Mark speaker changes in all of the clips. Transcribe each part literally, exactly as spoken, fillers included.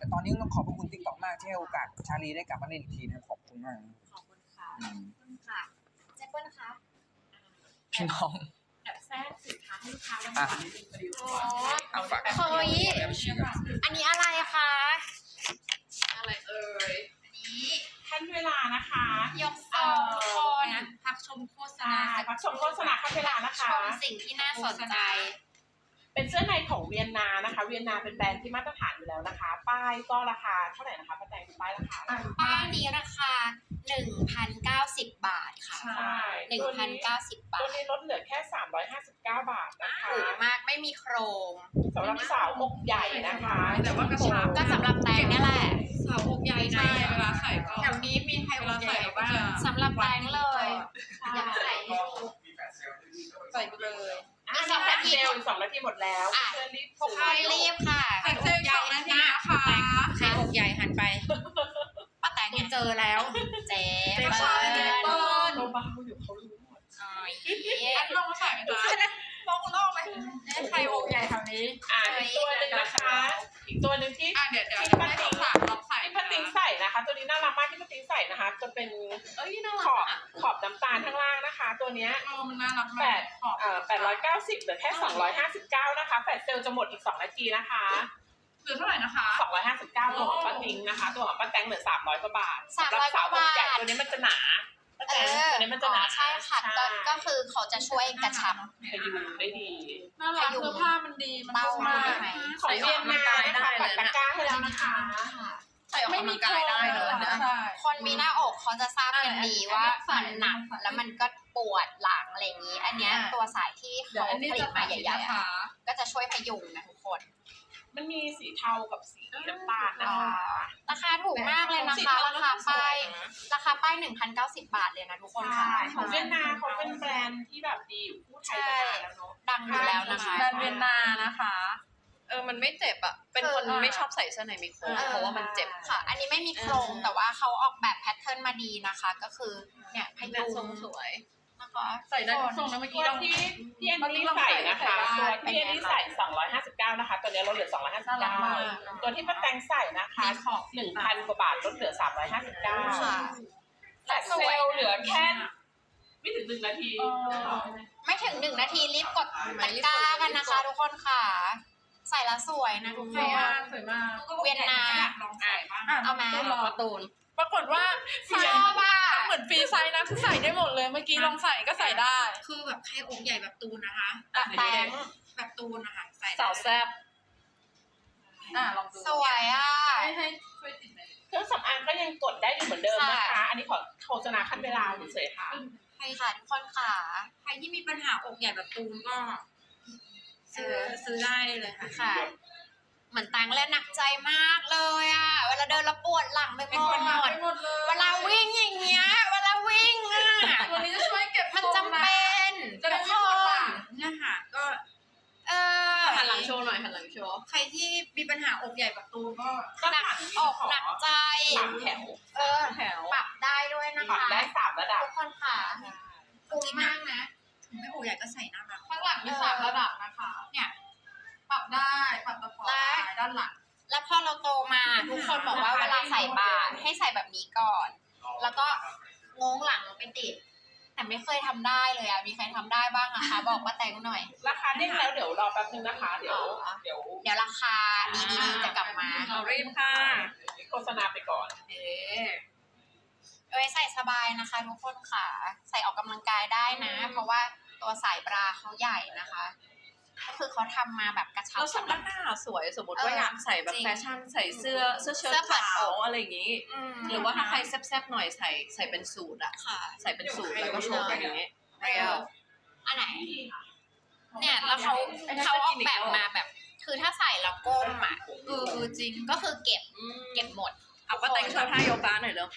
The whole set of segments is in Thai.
Speaker 1: ตอนนี้ต้องขอบพระคุณ TikTok มากที่ให้โอกาสชาลีได้กลับมาเล่นอีกทีนะขอบคุณมาก
Speaker 2: ขอบคุณค่ะขอบคุณค่ะเจ๊เปิ้ลคะ
Speaker 1: พี่น้อง
Speaker 2: แอบแทรกสินค้าให้ลูกค้าแล้วค่ะอ๋อ
Speaker 1: เอาฝาก
Speaker 2: เฮ้ยอันนี้อะไรคะ
Speaker 3: อะไรเอ่ย
Speaker 2: อันนี้
Speaker 3: ขั้นเวลานะคะ
Speaker 2: ยกซองทุกคน
Speaker 3: พักชมโฆษณาพักชมโฆษณาขั้นเวลานะคะ
Speaker 2: ชมสิ่งที่น่าสนใจ
Speaker 3: เป็นเสื้อในของเวียนนานะคะเวียนนาเป็นแบรนด์ที่มาตรฐานอยู่แล้วนะคะป้ายก็ราคาเท่าไหร่นะคะป้าแตงป้ายราคา
Speaker 2: ป้ายนี้ราคา หนึ่งพันเก้าสิบ บาทค่ะ
Speaker 3: ใช่
Speaker 2: หนึ่งพันเก้าสิบ บาท
Speaker 3: ตัวนี้ลดเหลือแค่สามร้อยห้าสิบเก้าบาทนะคะ
Speaker 2: ถูกมากไม่มีโครง
Speaker 3: สำหรับสาวอกใหญ่นะคะ
Speaker 2: แต่ว่ากระชับก็สำหรับแตงนี่แหละ
Speaker 3: สาวอกใหญ่ใช่เวลาใส่ก็
Speaker 2: แถวนี้มีใครอกใหญ่บ้างสำหรับแตงเลยอยากใส่
Speaker 3: ใส่ไปเลยอ่ะสองนาทีสองนาทีหมดแล้ว
Speaker 2: เชิญรีบทุกคนรีบค่ะ
Speaker 3: ใครอกใหญ่นะคะ
Speaker 2: ใครอกใหญ่หันไปป้าแตงเจอแล้วเจ๊เปิ้ล
Speaker 3: เบาๆอยู่เขารู้หมด
Speaker 2: อ๋อ
Speaker 3: อันลงใส่ไหมจ๊ะลงลงไหม
Speaker 2: ใครอกใหญ่แถวนี้
Speaker 3: อ่ะอีกตัวหนึ่งนะคะอีกตัวหนึ่งที่
Speaker 4: อ่ะเดี๋ยวเดี๋ยว
Speaker 3: ป้าติ๋งลองใส่ที่ป้าติ๋งใส่นะคะตัวนี้น่ารักมากที่ป้าติ๋งใส่นะคะจะเป็นขอบขอบน้ำตาลข้างล่างนะคะตัวเนี้ย
Speaker 4: มันน่ารัก
Speaker 3: แปดเอ่อแปดร้อยเก้าสิบเหลือแค่สองร้อยห้าสิบเก้านะคะแฟลชเซลจะหมดอีกสองนาทีนะคะ
Speaker 4: เหลือเท่าไหร่นะคะ
Speaker 3: สองร้อยห้าสิบเก้าตัวของป้าติ๋งนะคะตัวของป้าแตงเหลือสามร้อยกว่าบาท
Speaker 2: สามร้อยกว่าบาท
Speaker 3: ตัวนี้มันจะหนา
Speaker 2: เออ
Speaker 3: ตัวนี้มันจะหนา
Speaker 2: ใช่ค่ะก็ก็คือเขาจะช่วยกระชับ
Speaker 3: พยุงได้ดี
Speaker 4: น่ารักเสื้อผ้ามันดีมันนุ่มมาก
Speaker 3: ของเวียนนานะคะปัดตะกร้าให้แล้วนะคะ
Speaker 4: ใส่ออกกำลังกายได้เลยนะ
Speaker 2: คนมีหน้าอกเขาจะทราบกันดีว่ามันหนักแล้วมันก็ปวดหลังอะไรอย่างนี้อันนี้ตัวสายที่เขาผลิตมาใหญ่ๆก็จะช่วยพยุงนะทุกคน
Speaker 3: มันมีสีเทากับสีน้ำตาลนะคะ
Speaker 2: ราคาถูกมากเลยนะคะราคาป้ายราคาป้าย หนึ่งพันเก้าสิบ บาทเลยนะทุกคนค่ะ
Speaker 3: ของเวียนนาเขาเป็นแบรนด์ที่แบบดีอยู่คู่ไทยมานานแล้วเนาะ
Speaker 2: ดังอยู่แล้วนะคะ
Speaker 4: แบรนด์เวียนนานะคะเออมันไม่เจ็บอ่ะเป็นคนไม่ชอบใส่เสื้อในมีโครงเพราะว่ามันเจ็บ
Speaker 2: ค่ะอันนี้ไม่มีโครงแต่ว่าเขาออกแบบแพทเทิร์นมาดีนะคะก็คือเนี่ยพยุง
Speaker 4: สวย
Speaker 2: นะคะ
Speaker 4: ใส่ได้ทุกทรงนะเมื่อกี้
Speaker 3: เราที่ที่อันนี้ใส่นะคะตัวที่อันนี้ใส่สองร้อยห้าสิบเก้านะคะตัวนี้ลดเหลือสองร้อยห้าสิบเก้าตัวที่ป้าแตงใส่นะคะหนึ่งพันกว่าบาทลดเหลือสามร้อยห้าสิบเก้าแต่เซลเหลือแค่ไม่ถึงหนึ่งนาที
Speaker 2: ไม่ถึงหนึ่งนาทีรีบกดตะกร้ากันนะคะทุกคนค่ะใส่แล้วสวยนะทุกคน
Speaker 4: สวยมาก
Speaker 2: เวียนนา
Speaker 4: ลองใส่บ้าง
Speaker 2: เอาไหม
Speaker 4: การ์ตูนปรากฏว่า
Speaker 2: ชอบอ่ะ
Speaker 4: เหมือนฟรีไซส์นะคือใส่ได้หมดเลยเมื่อกี้ลองใส่ก็ใส่ได้
Speaker 2: คือแบบใครอกใหญ่แบบตูนนะคะแบบแตงแบบตูนนะคะใส่
Speaker 4: สาวแซ่บอ่ะลองดู
Speaker 2: สวยอ่ะ
Speaker 4: ให้ช่วยติดเลย
Speaker 3: เครื่องสำอางก็ยังกดได้อยู่เหมือนเดิมนะคะอันนี้ขอโฆษณาขั้นเวลาเฉยๆค่ะ
Speaker 2: ใครค่ะทุกคนค่ะใครที่มีปัญหาอกใหญ่แบบตูนก็ซื้อซื้อได้เลยค่ะเหมือนตังแล้วหนักใจมากเลยอ่ะเวลาเดินแล้วปวดหลังไปหมดเวลาวิ่งอย่างเงี้ยเวลาวิ่งอ่ะ
Speaker 4: ตัวนี้จะช่วยเก็บ
Speaker 2: มันจำเป็น
Speaker 4: จะได้ไม่ปวดหลัง
Speaker 2: เนี่ยค่ะก็เออ
Speaker 4: หันหลังโชว์หน่อยหันหลังโชว์
Speaker 2: ใครที่มีปัญหาอกใหญ่แบบตูนก็หนักอกหนักใจ
Speaker 3: สามแถว
Speaker 2: เออแถวปรับได้ด้วยนะคะ
Speaker 3: ปรับได้สามระดับ
Speaker 2: ทุกคนค่ะคุ้มมากนะไม่อกใหญ่ก็ใส่หน้ามา
Speaker 4: ข้างหลังมีสามระดับนะคะ
Speaker 2: เนี่ย
Speaker 4: ปรับได้ปรับตะปบด้านหลัง
Speaker 2: แล้วพอเราโตมาทุกคนบอกว่าเวลาใส่บาตรให้ใส่แบบนี้ก่อนแล้วก็งงหลังไปติดแต่ไม่เคยทำได้เลยอ่ะมีใครทำได้บ้างอะคะบอกป้าแตงหน่อย
Speaker 3: ราคาเด้งแล้วเดี๋ยวรอแป๊บนึงนะคะเดี๋ยวเดี๋ยว
Speaker 2: เดี๋ยวราคาดีๆจะกลับมา
Speaker 4: เอารีบค่ะ
Speaker 3: โฆษณาไปก่อน
Speaker 2: เออเอ้ยใส่สบายนะคะทุกคนค่ะใส่ออกกำลังกายได้นะเพราะว่าตัวสายบราเขาใหญ่นะคะก็คือเขาทำมาแบบกระชับ
Speaker 4: แล้วสำหรับหน้าสวยสมมติว่าอยากใส่แบบแฟชั่นใส่เสื้อเสื้อเชิ้ตขาวอะไรอย่างนี้หรือว่าถ้าใครแซ่บๆหน่อยใส่ใส่เป็นสูทอะใส่เป็นสูทแล้วก็โชว์อย่างนี้
Speaker 2: เรียวอันไหนเนี่ยแล้วเขาเขาออกแบบมาแบบคือถ้าใส่แล้วก้มอ่ะเออจริงก็คือเก็บเก็บหมด
Speaker 4: เอาป้าแตงโชว์ท่าโยคะหน่อยเร็ว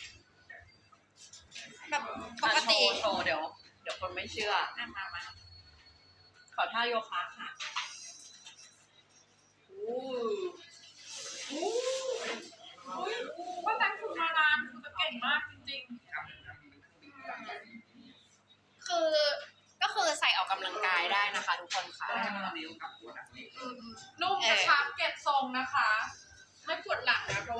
Speaker 2: แบบปกติ
Speaker 4: โชว์เดี๋ยวเดี๋ยวคนไม่เชื่อ
Speaker 2: มามา
Speaker 4: ขอท่าโยคะค่ะอู้อู้ว่าแต่งฝึกมานานคือเก่งมากจริง
Speaker 2: ๆคือก็คือใส่ออกกำลังกายได้นะคะทุกคนค่ะ
Speaker 4: นุ่มกระชับเก็บทรงนะคะไม่ปวดหลังนะเพราะ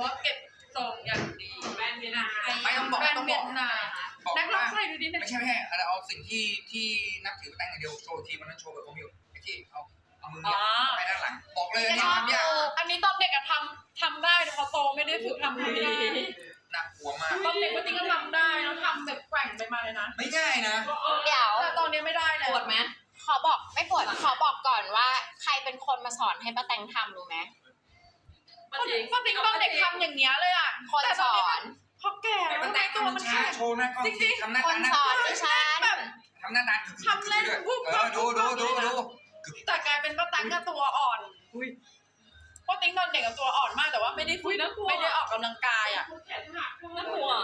Speaker 1: เวียดนาม บอก
Speaker 3: แน็กลอง
Speaker 1: ว่า
Speaker 3: ใส่ดูดิเนี่ย
Speaker 1: ไม่ใช่ไม่ใช่เอาเอาสิ่งที่ที่นับถือแป้งอย่างเดียวโชว์ทีมันนั้นโชว์แบบผมอยู่ไอ้ที่เอาเอามือเนี่ยไปด้านหลังบอกเลยนี่ทำยาก
Speaker 3: อันนี้ตอนเด็กอะทำทำได้แต่พอโตไม่ได้ฝึกทำไม่ได้
Speaker 1: น่ากลัวมาก
Speaker 3: ตอนเด็กปกติก็ทำได้แล้วทำแบบแกว่งไปมาเลยนะ
Speaker 1: ไม่ง่ายนะ
Speaker 2: เดี๋ยว
Speaker 3: แต่ตอนนี้ไม่ได้แล้ว
Speaker 4: ปวดไหม
Speaker 2: ขอบอกไม่ปวดขอบอกก่อนว่าใครเป็นคนมาสอนให้ป้าแตงทำรู้ไหม
Speaker 3: ปกติปกติตอนเด็กทำอย่างเงี้ยเลยอะ
Speaker 2: คน
Speaker 3: แต่
Speaker 2: ส
Speaker 3: ต
Speaker 2: อ
Speaker 3: นี้
Speaker 2: น
Speaker 3: พอแก่
Speaker 1: แต่
Speaker 3: แล้ว
Speaker 1: มัน
Speaker 3: ทำไม
Speaker 1: แต่ง
Speaker 3: ตัว
Speaker 1: มั
Speaker 3: มัน น
Speaker 1: ช้า
Speaker 3: แข็ง
Speaker 1: โชว์หน้ากล้องทีทำหน้า
Speaker 2: ค
Speaker 1: ตาน หน้า
Speaker 2: สอนดิฉัน
Speaker 3: แบบ
Speaker 1: ทำหน้าตา
Speaker 3: ทำเล่น
Speaker 1: ด้วย
Speaker 3: ปุ๊บ
Speaker 1: เออดูดูดูดู
Speaker 3: แต่กลายเป็นป้าแตงก็ตัวอ่อนป้าแตงตอนเด็กกับตัวอ่อนมากแต่ว่าไม่ได้ฝึกไม่ได้ออกกำลังกายอะน่ากลัว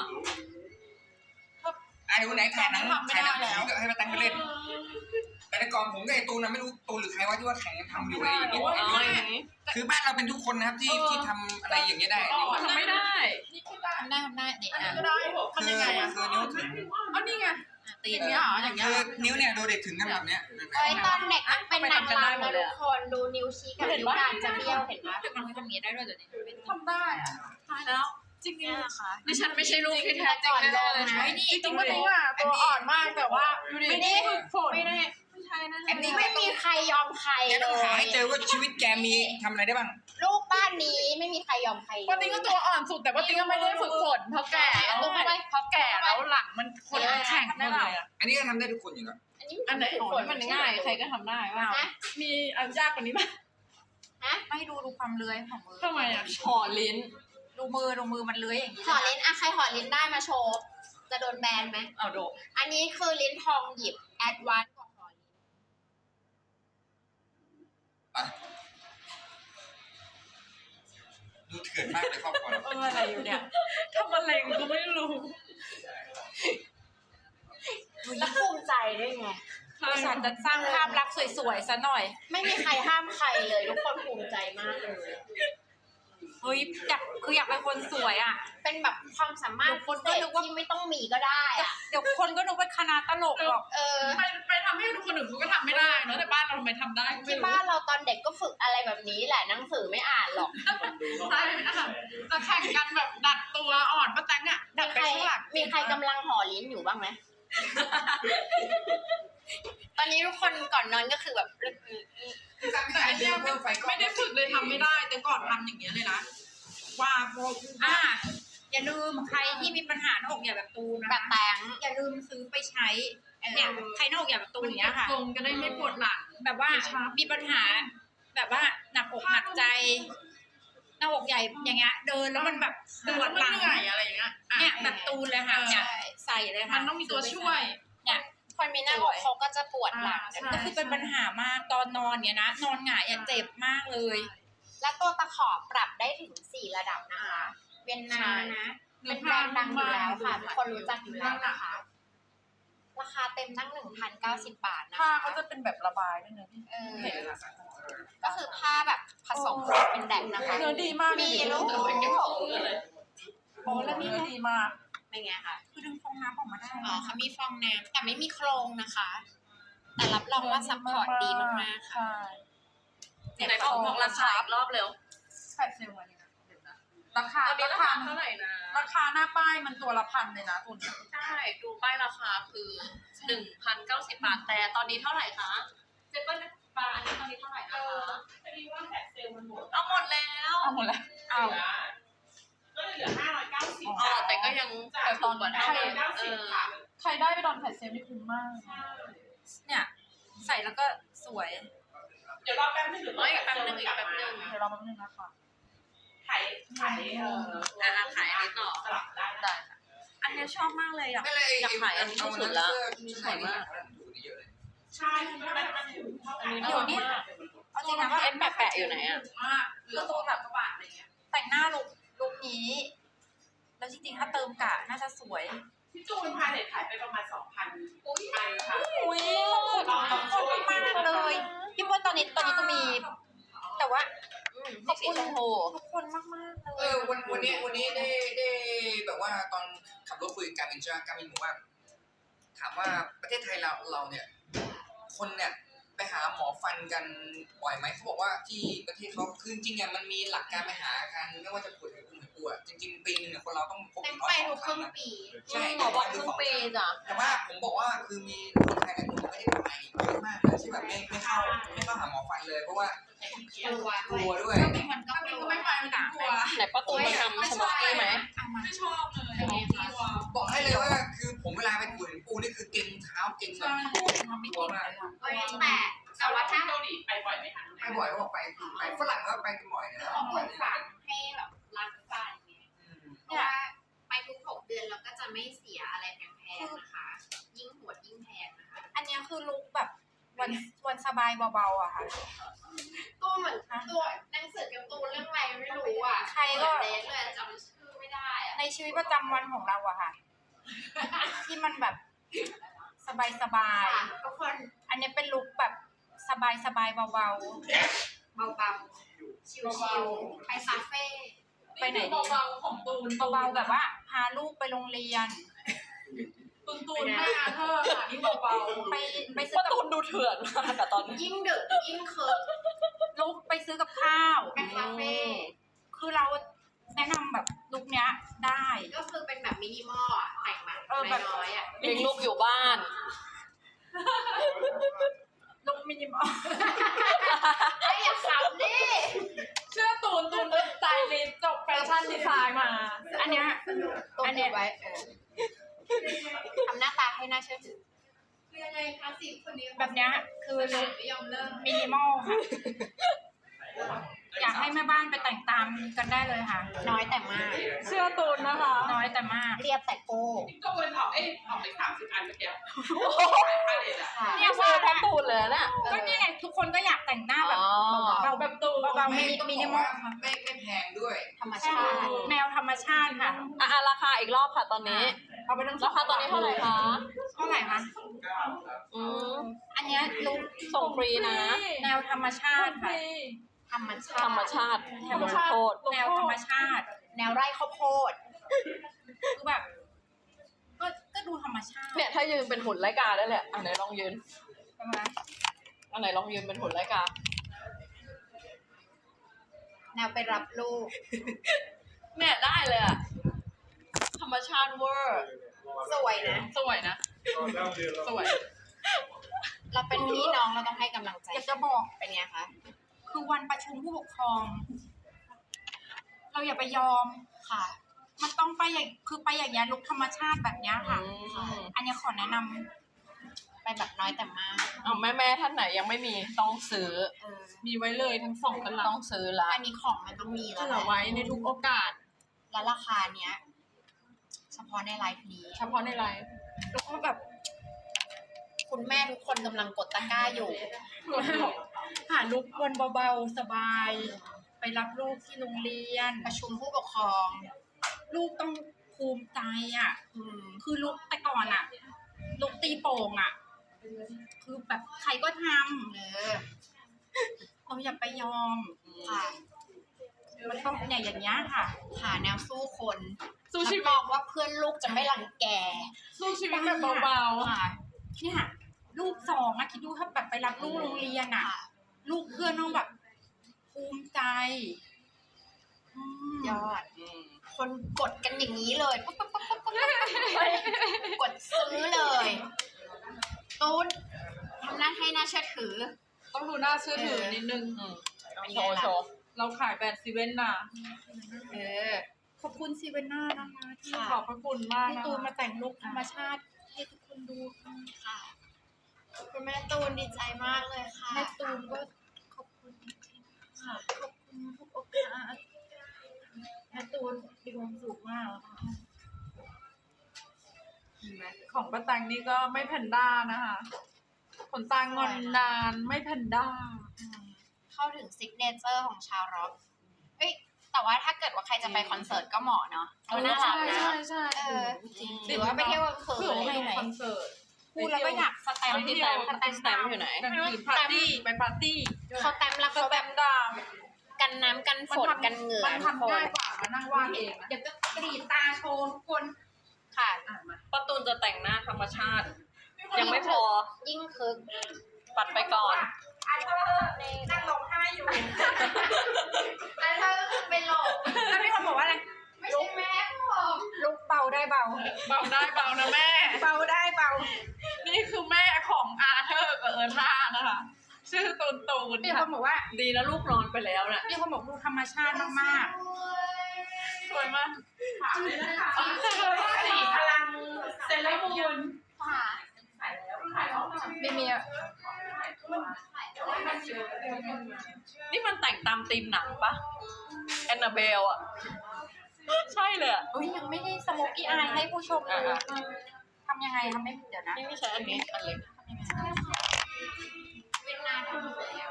Speaker 1: ไอ้ดูไหนถ่ายหนัง
Speaker 3: ทำไม่
Speaker 1: ถ่ายห
Speaker 3: ได้
Speaker 1: นัง
Speaker 3: แล้ว
Speaker 1: ผีก็ให้มาตั้งไปเล่น แต่ในกองผมกับไอ้ตูนนะไม่รู้ตูนหรือใครว่าที่ว่าแข่งกันทำอยู่ไอ้ไอ้
Speaker 4: อ๋อ
Speaker 1: ไอ้
Speaker 4: อย่างนี้
Speaker 1: คือบ้านเราเป็นทุกคนนะครับที่ที่ทำอะไรอย่างเงี้ยได้
Speaker 3: ทำไม่ได้
Speaker 2: ทำได้ทำได้นี่
Speaker 3: อันนี้
Speaker 2: อ่ะ
Speaker 3: ก็ได้
Speaker 1: คื
Speaker 3: ทำ
Speaker 1: อ
Speaker 3: ยังไงอะ
Speaker 1: คือนิ้วถึง
Speaker 3: อันนี้ไง
Speaker 2: ตี
Speaker 3: อย่างเงี้ยเหรออย่างเงี้ย
Speaker 1: คือนิ้วเนี่ยดูเด็กถึงกันแบบเนี้ย
Speaker 2: เอ้ยตอนเด็กมันเป็นนางรำนะทุกคนดูนิ้วชี้กับนิ้วกลางจะเบี้ยวเห็นไหมแต่มันทำอย่างนี้ได้ด้วยเดี๋ยวนี้
Speaker 3: ทำได้อะ
Speaker 4: ตายแล้ว
Speaker 3: จริง
Speaker 2: เนี่ยนะคะ
Speaker 4: ดิฉันไม่ใช่ลูกที่แท้จริงแน่ๆเลยนะ
Speaker 3: ๆจริงๆป้าแตงอะตัวอ่อนมากแต่ว่าไม่ได้ฝึกฝน
Speaker 2: ไม่ได้
Speaker 4: ไม่ใช่นั่น
Speaker 1: อันนี้
Speaker 2: ไม่มีใครยอมใคร
Speaker 1: แก
Speaker 2: เล
Speaker 1: ต้องหาย ให้เจอว่าชีวิตแกมีทำอะไรได้บ้าง
Speaker 2: ลูกบ้านนี้ไม่มีใครยอมใคร
Speaker 3: ป้าแตงก็ตัวอ่อนสุดแต่ป้าแตงก็ไม่ได้ฝึกฝนเพราะแก่แล้วเพราะแก่แล้วหลังมันคนมันแข็งหมดเลยอะ
Speaker 1: อันนี้ก็ทำได้ทุกคนอยู่แล้ว
Speaker 2: อันนี้
Speaker 3: อันไหน
Speaker 4: ฝนมันง่ายใครก็ทำได้ว่า
Speaker 2: ฮะ
Speaker 3: มีอันยากกว่านี้ไหม
Speaker 2: ฮะ
Speaker 5: ไม่ดูดูความเลื้อยของมือ
Speaker 3: ทำไมอ่ะ
Speaker 4: ห่อลิ้น
Speaker 5: ดูมือดูมือมันเลื้อยอย่างนี้
Speaker 2: ห่อลิ้นอะใครห่อลิ้นได้มาโชว์จะโดนแบนไหม
Speaker 4: เอาโด
Speaker 2: อันนี้คือลิ้นทองหยิบแอดวานซ์กว่าห่อลิ้น
Speaker 1: ดูเถื่อนมากเลยครอบครัวเรา
Speaker 3: เอออะไรอยู่เนี่ยทำอะไรก็ไม่รู้
Speaker 2: แล้วภูมิใจด้วยไง
Speaker 5: บริษัทจะสร้างภาพลักษณ์สวยๆซะหน่อย
Speaker 2: ไม่มีใครห้ามใครเลยทุกคนภูมิใจมากเลย
Speaker 5: เฮ้ยอยากคืออยากเป็นคนสวยอ่ะ
Speaker 2: เป็นแบบความสามารถ
Speaker 5: เดี๋ยวคน
Speaker 2: พิ
Speaker 5: ก็
Speaker 2: เศ
Speaker 5: นึ
Speaker 2: ษ
Speaker 5: กว่า
Speaker 2: ที่ไม่ต้องมีก็ได้อะ
Speaker 5: เดี๋ยวคนก็นึกว่าคณะตลกหรอก
Speaker 2: เออ
Speaker 3: ไปไปทำให้ทุกคนอื่นเขาก็ทำไม่ได้เนอะแต่บ้านเราทำไมทำได้ก็ไม่
Speaker 2: ที่
Speaker 3: รู้
Speaker 2: บ้านเราตอนเด็กก็ฝึกอะไรแบบนี้แหละหนังสือไม่อ่านหรอก
Speaker 3: ใช่นะคะจะแข่งกันแบบดัดตัวอ่อนป้าแตงอ่ะดั
Speaker 2: มี
Speaker 3: ด
Speaker 2: ใค
Speaker 3: ไป
Speaker 2: ร
Speaker 3: ข้างหลัง
Speaker 2: มีใครกำลังห่อลิ้นอยู่บ้างไหม ตอนนี้ทุกคนก่อนนอนก็คือแบบ
Speaker 3: แต่อันเนี้ยไม่ไม่ได้ฝึกเลยทำไม่ได้ แต่ก่อนทำอย่างเงี้ยเลยนะว่าพอ
Speaker 5: อ่าอย่าลืมใครที่มีปัญหาหน้าอกใหญ่แบบตูน
Speaker 2: แบ
Speaker 5: นะ
Speaker 2: บ
Speaker 5: คะ
Speaker 2: แตง
Speaker 5: อย่าลืมซื้อไปใช้เนี่ยใครหน้าอกใหญ่แบบตูนอย่างเงี้ยค่ะ
Speaker 3: ทรงก็ได้ไม่ปวดหลัง
Speaker 5: แบบว่ามีปัญหา แบบว่าหนักอกหนักใจ หน้าอกใหญ่อย่างเงี้ยเดินแล้วมันแบบ
Speaker 3: เดิ
Speaker 5: ป
Speaker 3: น
Speaker 5: ว
Speaker 3: แล้
Speaker 5: ด
Speaker 3: ว
Speaker 5: ห
Speaker 3: มั
Speaker 5: ลั
Speaker 3: น
Speaker 5: ง
Speaker 3: เหนื่อยอะไรอย่างเงี้ยอ่ะ
Speaker 5: เนี่ยแบบตูนเลยค่ะเนี่ย
Speaker 2: ใช่
Speaker 5: ใส่เลยค่ะ
Speaker 3: มันต้องมีตัวช่วย
Speaker 5: เนี่ย
Speaker 2: คนมีหน้าอกเขาก็จะปวดหลัง
Speaker 3: อ่าใช่
Speaker 5: ก็คือเป็นปัญหา มากตอนนอนเนี่ยนะ นอนหงายอะเจ็บมากเลย
Speaker 2: และตัวตะขอปรับได้ถึงสี่ระดับนะคะ เวียนนานะ เป็นแบรนด์ดังอยู่แล้วค่ะทุกคนรู้จักอยู่แล้วนะคะ ราคาเต็มตั้งหนึ่งพันเก้าสิบบาทนะ
Speaker 3: ผ้า
Speaker 2: คะ
Speaker 3: เขาจะเป็นแบบระบายด้วยเนอะพี่
Speaker 2: เออ
Speaker 3: เห็นอะ
Speaker 2: ก็คือผ้าแบบผสมเป็นแดกนะคะ
Speaker 3: เนื้อดีมาก
Speaker 2: มีลูก
Speaker 3: โอ้แล้วนี่ดีมาก
Speaker 2: เป็นไงคะ
Speaker 5: คือดึงฟองน้ำออกมาได้
Speaker 2: อ๋อเขามีฟองน้ำแต่ไม่มีโครงนะคะ แต่รับรองว่าซัพพอร์ตดีมากๆค่ะ
Speaker 3: ใช่
Speaker 4: ไหนบอกบอกราคาอีกรอบเร็ว
Speaker 3: แปดเซลล์วันนี้นะเดี๋ยวนะราคา
Speaker 4: ตอนนี้
Speaker 3: รา
Speaker 4: รา
Speaker 3: คา
Speaker 4: คาเท่าไหร่นะ
Speaker 3: ราคาหน้าป้ายมันตัวละพันเลยนะตัวเนี้ย
Speaker 4: ใช่ดูป้ายราคาคือหนึ่งพันเก้าสิบบาทแต่ตอนนี้เท่าไหร่คะเจ็ดพันบาทอันนี้ตอนนี้เท่าไหร่นะคะ
Speaker 3: พอดีว่าแปดเซลล์มันหมด
Speaker 4: เอาหมดแล้ว
Speaker 3: เอาหมดแล้ว
Speaker 5: เอา
Speaker 3: ก็เลยเหลือห้าร้อยเก้าสิบ
Speaker 4: อ๋อแต่ก็ยัง
Speaker 3: แต่ตอน
Speaker 4: กว่า
Speaker 3: ใค
Speaker 4: เท่าร เดิมเออ
Speaker 3: ใครได้ไปตอนแปดเซลล์นี่คุ้มมาก
Speaker 5: เนี่ยใส่แล้วก็สวย
Speaker 3: เดี๋ยวรอแป๊บนึง
Speaker 4: เอ้ยอีกแป๊บนึงอีกแป๊บนึง
Speaker 3: เดี๋ยวรอแป๊บนึงนะคะขายขายเอ่อ
Speaker 4: อ่ะขายอันนี้ต่อ
Speaker 3: สลับได้
Speaker 4: ได้ค่ะ
Speaker 5: อันเนี้ยชอบมากเลยอ่ะ
Speaker 1: ไม่เลย
Speaker 4: อยากขายอันนี้ที่สุดละ
Speaker 1: สวยมากดูนี่เยอะเลย
Speaker 3: ใช่มันมันถึงเท่ากัน
Speaker 5: เดี๋ยวนี้ เอาจริงนะ
Speaker 4: เอ็นแปะๆอยู่ไหนอ่ะ
Speaker 3: มากเหลือตัวแบบกระบาดอะไรเงี้ย
Speaker 5: แต่งหน้าลุกลุกนี้ แล้วจริงๆถ้าเติมกะน่าจะสวย
Speaker 3: พี่จูนพาเด็กขายไปประมาณสองพันไปค่ะ
Speaker 5: อุ้ยขอบคุณขอบคุณมากเลย พี่ว่าตอนนี้ตอนนี้ก็มี แต่ว่า
Speaker 2: อืมขอบคุณโฮ
Speaker 5: ขอบคุณมากมากๆเล
Speaker 1: เอย อวันวันนี้วันนี้ได้ได้แบบว่าตอนขับรถคุยกับการบินใช่ไหมการบินบอกว่า ถามว่าประเทศไทยเราเราเนี่ย คนเนี่ยไปหาหมอฟันกันบ่อยไหมเขาบอกว่าที่ประเทศเขาคือจริงๆเนี่ยมันมีหลักการไปหากันไม่ว่าจะปวดหัวปตัวจริงๆปีนึงเนี่ยคนเราต้องพก
Speaker 2: เต็ม
Speaker 1: ร้อ
Speaker 2: ไป
Speaker 1: ยส
Speaker 2: ทุ
Speaker 1: อก ง
Speaker 2: ค
Speaker 1: ครั้
Speaker 2: รึ่
Speaker 1: ง
Speaker 2: ง
Speaker 1: นะ
Speaker 2: ปี
Speaker 1: ใช่
Speaker 4: หมอบอกครึ่งปีจ้ะ
Speaker 1: แต่ว่าผมบอกว่าคือมีคนไทยหลายคนไม่ได้ไปเยอะมากเลยที่แบบไม่ไม่เข้าไม่เข้าหาหมอฟันเลยเพราะว่าก
Speaker 2: ลัว
Speaker 1: กลัวด้วย
Speaker 5: ก็เป็นคนก็กลัวไม่ไปมันกลัว
Speaker 4: ไหนป้าตูนมาทำสโมกกี้ไหม
Speaker 5: ไม่ชอบเลยกลัว
Speaker 1: บอกให้เลยว่าคือผมเวลาไปปูเห็นปูนี่คือเก่งเท้าเก่งแบบ
Speaker 5: ทำไม่
Speaker 1: กลัว
Speaker 5: ติด
Speaker 1: มาก
Speaker 2: แต่แต่ว่าถ้า
Speaker 3: เกาหลีไปบ่อยไหมคะ
Speaker 1: ไปบ่อยก็บอกไปไปฝรั่งก็ไปกันบ่อยนะ
Speaker 2: ของปลูกฝังให้แบบรักฟันไง
Speaker 1: อืม
Speaker 2: เพราะว่าไปทุกหกเดือนเราก็จะไม่เสียอะไรแพงๆนะคะ ยิ่งหวดยิ่งแพงนะคะ
Speaker 5: อันนี้คือลุกแบบวันวันสบายเบาๆอะค่ะ
Speaker 2: ตัวเหมือนตัวหนังสือการ์ตูนเรื่องอะไรไม่รู้อ่ะ
Speaker 5: ใครก็
Speaker 2: เดทเลยจำชื่อไม่ได้อ่ะ
Speaker 5: ในชีวิตประจำวันของเราอะค่ะ ที่มันแบบสบายสบายๆ
Speaker 2: ทุกคน
Speaker 5: อันนี้เป็นลุคแบบสบายสบายๆเบา
Speaker 2: เบาๆ ชิวๆ ไปคาเฟ่
Speaker 5: ๆ ไปไหนดี
Speaker 3: เบาๆของตูน
Speaker 5: เบาๆแบบว่า พาลูกไปโรงเรียน
Speaker 3: ตูนตูนแม่อาเธอร์ค่ะนี่เบา
Speaker 5: ไปไปซื้อ
Speaker 4: ป้า
Speaker 5: กับ
Speaker 4: ตูนดูเถื่อนมากอะตอนนี้
Speaker 2: ยิ่งดึกยิ่งเคิร์ฟ
Speaker 5: ลุกไปซื้อกับข้าว
Speaker 2: ไปคาเฟ่
Speaker 5: คือเราแนะนำแบบลุคเนี้ยได้
Speaker 2: ก็คือเป็นแบบมินิมอลอ่ะ แต่งแบบ
Speaker 5: เออแบบ
Speaker 2: น้อยๆอ่ะ
Speaker 4: เลี้ยงลูกอยู่บ้าน
Speaker 5: ลุคมินิมอล
Speaker 2: ไอ้ยอย่าขำดิ
Speaker 3: ๆเชื่อตูนตูนเป็นสไตลิสต์จบแฟชั่นดีไซน์มา
Speaker 5: อันเนี้ย
Speaker 2: ตัว
Speaker 5: อันเนี้ย
Speaker 2: ไว้เออทำหน้าตาให้น่าเชื่อถือเรียนอะไรคะสิคนนี้
Speaker 5: แบบเนี้ยคือลุค
Speaker 2: ไม่ยอมเลิก
Speaker 5: มินิมอลค่ะ อยากให้แม่บ้านไปแต่งตามกันได้เลยค่ะ
Speaker 2: น้อยแต่มาก
Speaker 3: เชื่อตูนนะคะ
Speaker 5: น้อยแต่มาก
Speaker 2: เรียบแต่โก้
Speaker 3: ก็วนออกเอ้ยออกไปสามสิบอันเมื่อกี้ขายผ้าเลยอะ
Speaker 2: ค่ะ
Speaker 4: เนี่ยซื้อป้าตูนเลยนะ
Speaker 5: ก็นี่ไงทุกคนก็อยากแต่งหน้าแบบ
Speaker 4: อ๋อ
Speaker 5: เบาๆแบบตูเบาๆ
Speaker 1: ไม่
Speaker 5: มิ
Speaker 1: ต้อง
Speaker 5: มิ
Speaker 1: บ
Speaker 5: นิ
Speaker 1: อก
Speaker 5: มอ
Speaker 1: ว่า
Speaker 5: ลค่ะ
Speaker 1: ไม่ไม่แพงด้วย
Speaker 2: ธรรมชาติ
Speaker 5: แนวธรรมชาติค่ะ
Speaker 4: อ่ะอ่ะราคาอีกรอบค่ะตอนนี้
Speaker 5: เอาไปทั้ง
Speaker 4: ราคาตอนนี้เท่าไหร่คะ
Speaker 5: เท่าไหร่คะ
Speaker 4: อืม
Speaker 5: อันเนี้ยลุค
Speaker 4: ส่งฟรีนะ
Speaker 5: แนวธรรมชาติค่ะ
Speaker 2: ธรรมชา
Speaker 4: ธรรม
Speaker 2: ติ
Speaker 4: ชาติธรรมโทษ
Speaker 5: แนวธรรมชาติ
Speaker 2: แนวไร่ข้าวโพด
Speaker 5: คือแบบ ก็ก็ดูธรรมชาติ
Speaker 4: เนี่ยถ้ายืนเป็นหุ่นไลกาได้เลยอันไหนลองยืน
Speaker 5: ประมาณ
Speaker 4: อันไหนลองยืนเป็นหุ่นไลกา
Speaker 2: แนวไปรับลูก
Speaker 4: เนี่ยได้เลยอะธรรมชาติเวอร์
Speaker 2: สวยนะ
Speaker 4: สวยนะ สวย
Speaker 2: เราเป็นพี่น้องเราต้องให้กำลังใจ
Speaker 5: อยากจะบอก
Speaker 2: เป็นไงคะ
Speaker 5: คือวันประชุมผู้ปกครอง เราอย่าไปยอม
Speaker 2: ค่ะ
Speaker 5: มันต้องไปอย่างคือไปอย่างเงี้ยลุคธรรมชาติแบบเนี้ยค่ะ
Speaker 4: อืม
Speaker 5: อันเนี้ยขอแนะนำ
Speaker 2: ไปแบบน้อยแต่มาก
Speaker 4: เอาแม่แม่ๆท่านไหนยังไม่มีต้องซื้อ
Speaker 2: เออ
Speaker 3: มีไว้เลยทั้งสองตลับ
Speaker 4: ต้องซื้อละ
Speaker 2: อันนี้ของมันต้องมีแล้ว
Speaker 3: เหลือไว้ในทุกโอกาส
Speaker 2: แล้วราคาเนี้ย เฉพาะในไลฟ์นี้
Speaker 3: เฉพาะในไลฟ์
Speaker 5: แล้วก็แบบ
Speaker 2: คุณแม่ทุกคนกำลังกดตะกร้าอยู่
Speaker 5: หาลุควันเบาๆสบาย ไปรับลูกที่โรงเรียน
Speaker 2: ประชุมผู้ปกครอง
Speaker 5: ลูกต้องภูมิใจอ่ะ
Speaker 2: อืม
Speaker 5: คือลุกแต่ก่อนอ่ะ ลุกตีโป่งอ่ะ คือแบบใครก็ท
Speaker 2: เออ
Speaker 5: ำเราอย่าไปยอม
Speaker 2: ค่ะ
Speaker 5: มันต้องเนี่ยอย่างเงี้ยค่ะ
Speaker 2: หาแนวสู้คน
Speaker 3: สู้ชีวิต
Speaker 2: รับรองว่าเพื่อนลูกจะไม่รังแก
Speaker 3: สู้ชีวิตแบบเบา
Speaker 5: ค่ะเนี่ยลูกสองอะคิดดูถ้าแบบไปรับลูกโรงเรียนอะ
Speaker 2: ค่ะ
Speaker 5: ลูกเพื่อนต้องแบบภูมิใจอืม
Speaker 2: ยอด คนกดกันอย่างนี้เลยปุ๊บปุ๊บปุ๊บปุ๊บปุ๊บปุ๊บกดซื้อเลยตูนทำหน้าให้น่าเชื่อถือ
Speaker 3: ๆ ต้องดูน่าเชื่อถือนิดนึง
Speaker 4: อืม
Speaker 2: เป็น
Speaker 4: โช
Speaker 2: ไง
Speaker 4: ว์
Speaker 2: ล่ะ
Speaker 4: โชว์
Speaker 3: เราขายแบรนด์ซีเว่นนะ
Speaker 2: เออ
Speaker 5: ขอบคุณซีเวนน่านะคะที่
Speaker 2: ค่ะ
Speaker 3: ขอบพระคุณมาก
Speaker 5: ให้
Speaker 3: นะ
Speaker 5: ตูนมา
Speaker 3: คะ
Speaker 5: แต่งลุคธรรมชาติให้ทุกคนดูค่ะ
Speaker 2: ค่ะคุณแม่ตูนดีใจมากเลยค่ะ
Speaker 5: แม่ตูนก็ขอบคุณจริงๆค่ะขอบคุณทุกโอกาสแม่ตูนมีความสุขมากค่ะ
Speaker 3: เห็นไหมของป้าตังนี่ก็ไม่แพนด้านะคะขนตางอนนานไม่แพนด้า
Speaker 2: อืมเข้าถึงซิกเนเจอร์ของชาวร็อกเฮ้ยแต่ว่าถ้าเกิดว่าใครจะไปคอนเสิร์ตก็เหมาะเนาะเออน่ารักนะ
Speaker 3: ใช่ใช่
Speaker 2: เออ
Speaker 4: จริง
Speaker 2: หรือว่าไปเที่ยวกลางคื
Speaker 3: เผื่อน ไป
Speaker 2: อะไร
Speaker 3: ดู
Speaker 2: ไหน
Speaker 3: คอนเสิร์ต
Speaker 5: พูดแล้วก็อยากสแตมป์
Speaker 4: ที่แตมที่สแตมป์อยู่ไหน
Speaker 3: กลางคืนปาร์ตี้ไปปาร์ตี้
Speaker 2: เขาแต้มแล้วเขาแบบ
Speaker 3: ดาม
Speaker 2: กันน้ำกันฝนกันเหงื่อ
Speaker 3: มัน
Speaker 2: ทุกค
Speaker 3: ทำง่าน ยกว่ามานั่งวาดเองนะ
Speaker 5: เดี๋ยวก็กรีดตาโชว์ทุกคน
Speaker 2: ค่ะ
Speaker 3: อ่ะมา
Speaker 4: ป้าตูนจะแต่งหน้าธรรมชาติ ยังไม่พอ
Speaker 2: ยิ่งคึก
Speaker 4: ปัดไปก่อน
Speaker 5: อันเธอนั่งร้องไห้อยู่
Speaker 2: อันเธอก็คือเป็นโลก
Speaker 5: แล้วมีคนบอกว่าอะไรเบาได้เบานะแม่ เบาได้เบา นี่คือแม่ของอาเธอร์กับเอิร์ธานะคะ ชื่อตูนตูน
Speaker 2: มีคนบอกว่า
Speaker 4: ดีนะลูกนอนไปแล้วน่ะ
Speaker 2: มีคนบอกดูธรรมชาติมาก
Speaker 5: สวยมากสีพลังเซเลอร์มูน
Speaker 2: ๆค่ะไม่มี
Speaker 4: นี่มันแต่งตามธีมหนังปะแอนนาเบลอะใช่เลยอะ
Speaker 2: อุ้ยยังไม่ได้สโมกี้อายให้ผู้ชมดูทำยังไงทำไม่เดี๋ยวนะ
Speaker 4: นี่ไม่ใช่อันนี้อันเล็ก
Speaker 2: เวียดนามทำแล้ว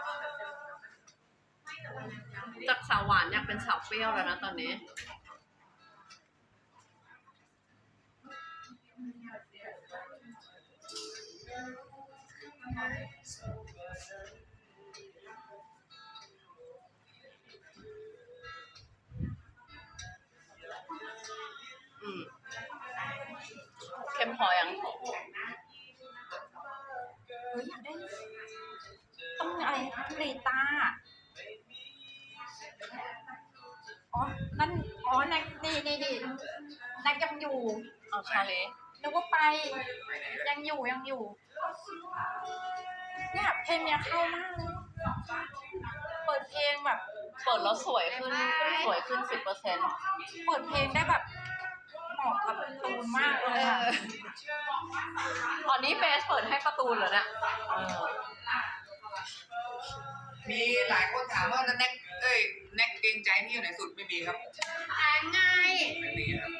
Speaker 4: จากสาวหวานอยากเป็นสาวเปรี้ยวแล้วนะตอนนี้ อืมเข้มพอยัง
Speaker 2: เฮ้ยอยากได้ต้องอะไรเรตาอ๋อ นั่น อ๋อนักนี่นี่นี่นักยังอยู่
Speaker 4: เอาชาเล
Speaker 2: นึกว่าไป ยังอยู่ยังอยู่ เนี่ยเพลงเนี้ยเข้ามากเลยเปิดเพลงแบบ
Speaker 4: เปิดแล้วสวยขึ้น สวยขึ้นสิบเปอร์เซ็นต์
Speaker 2: เปิดเพลงได้แบบเหมาะกับตูนมากเลยอะ
Speaker 4: ตอนนี้เบสเปิดให้การ์ตูนเหรอเนี่ยเออ
Speaker 1: มีหลายคนถามว่าแน็กเอ้ยแน็กเกรงใจพี่อยู่ไหนสุดไม่มีครับ
Speaker 2: แอนไง
Speaker 1: ไม่มีครับ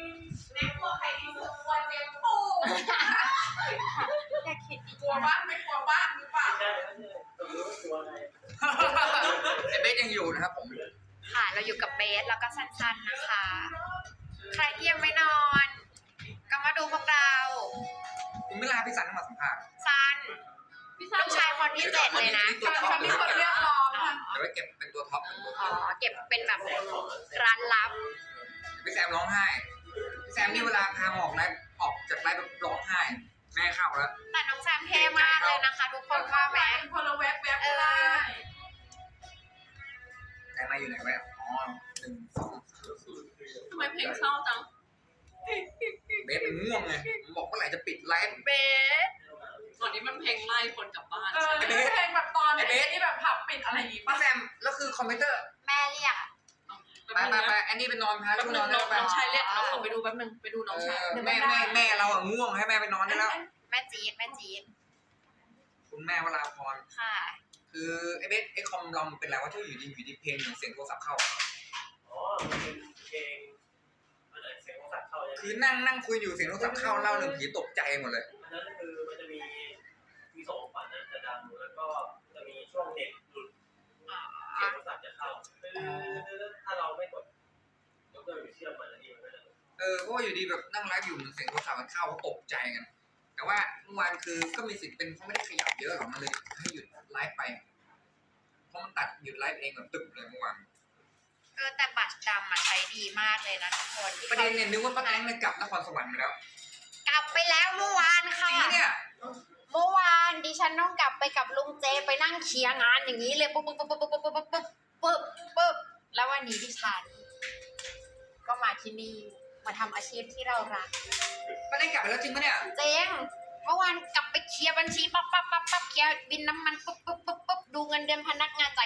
Speaker 2: อย่าคิดดี
Speaker 5: กลัวบ้างไม่กลัวบ้างหรือเปล่า
Speaker 1: ไอเบสยังอยู่นะครับผม
Speaker 2: ค่ะ เราอยู่กับเบสแล้วก็สั้นๆนะคะ ใครที่ยังไม่นอน ก็มาดูพวกเรา
Speaker 1: ผมไม่ลาพี่สันมาสัมภาษณ์
Speaker 2: ซันลูกชายคนที่เจ็ดเลยนะ
Speaker 5: ฉันเป็นคนเรียกร้องค่ะ
Speaker 1: เดี๋ยวไว้เก็บเป็นตัวท็อปเป็นตัวท็
Speaker 2: อ๋
Speaker 1: อ
Speaker 2: อ
Speaker 1: ป
Speaker 2: เก็บเป็นแบบร้านลับ
Speaker 1: พี่แซมร้องไห้พี่แซมนี่เวลาพาออกไลฟ์ออกจากไลฟ์แบบร้องไห้ แม่เข้าแล้ว
Speaker 2: แต่น้องแซมเท่มากเลยนะคะ ทุกคนว่าไหม
Speaker 5: คนละแวบแวบได้
Speaker 1: แซมมาอยู่ไหนวะอ๋อหนึ่งสองสาม
Speaker 4: ทำไมเพลงเศร้าจัง
Speaker 1: เบสมันง่วงไงมันบอกเมื่อไหร่จะปิดไลฟ์
Speaker 2: เบส
Speaker 4: ตอนนี้มันเพลงไล่คนกลับบ้าน
Speaker 5: เออเพลงแบบตอนที่แบบผับปิดอะไรอย่างงี้
Speaker 1: พี่
Speaker 5: ป่ะ
Speaker 1: แซมแล้วคือคอมพิวเตอร์
Speaker 2: แม่เรียก
Speaker 1: ไปไปไปอันนี้ไปนอนพา
Speaker 4: แป๊
Speaker 1: ลู
Speaker 4: บ
Speaker 1: ก
Speaker 4: นึ
Speaker 1: นอง น
Speaker 4: น้
Speaker 1: แล้
Speaker 4: อ
Speaker 1: ว
Speaker 4: ง
Speaker 1: ไป
Speaker 4: น้องชายเรียกเราขอไปดูแป๊บนึงไปดูน้องชาย
Speaker 1: แม่แม่แม่เราอะง่วงให้แม่ไปนอนได้แล้ว
Speaker 2: แม่จี๊ดแม่จี๊ด
Speaker 1: คุณแม่วราพร
Speaker 2: ค่ะ
Speaker 1: คือไอ้เบสไอ้คอมเรามันเป็นอะไรวะที่อยู่ดีอยู่ดีเพลงเหมือนเสียงโทรศัพท์เข้า
Speaker 6: อ๋อ มันเป็นเพลงมันเสียงของสัตว์เข้าใช่ไหม
Speaker 1: คือนั่งนั่งคุยอยู่เสียงโทรศัพท์เข้าเล่าเรื่องผีตกใจหมดเลย
Speaker 6: อันนั้นคือมันจะมีมีสองฝันนะจะดังแล้วก็จะมีช่วงเน็ตหลุดเสียงของสัตว์จะเข้าคือถ้าเราไม่กดยกเลิกหรือเชื่อมมันอันนี้มันก็จะ
Speaker 1: เออเพราะว่าอยู่ดีแบบนั่งไลฟ์อยู่เหมือนเสียงโทรศัพท์มันเข้าเขาตกใจกัน แต่ว่าเมื่อวานคือก็มีสิทธิ์เป็นเพราะไม่ได้ขยับเยอะหรอกมันเลยให้หยุดไลฟ์ไป เพราะมันตัดหยุดไลฟ์เองแบบตึบเลยเมื่อวาน
Speaker 2: เออแต่บัตรดำอะใช้ดีมากเลยนะทุกคน
Speaker 1: ประเด็นเนี่ยนึกว่าป้าแตงเนี่ยกลับนครสวรรค์ไปแล้ว
Speaker 2: กลับไปแล้วเมื่อวาน
Speaker 1: จ
Speaker 2: ค่ะ
Speaker 1: ริงปะเนี่ย
Speaker 2: เมื่อวานดิฉันต้องกลับไปกับลุงเจไปนั่งเคลียร์งานอย่างนี้เลยปุ๊บปุ๊บปุ๊บปุ๊บปุ๊บปุ๊บปุ๊บปุ๊บปุ๊บแล้ววันนี้ดิฉัน ก็มาที่นี่มาทำอาชีพที่เรารัก
Speaker 1: ป้าแตงกลับไปแล้วจริงปะเนี่ย
Speaker 2: เจ๊งเมื่อวานกลับไปเคลียร์บัญชีปั๊บปั๊บปั๊บปั๊บเคลียร์บินน้ำมันปุ๊บปุ๊บปุ๊บปุ๊บดูเงินเดือนพนักงานจ่าย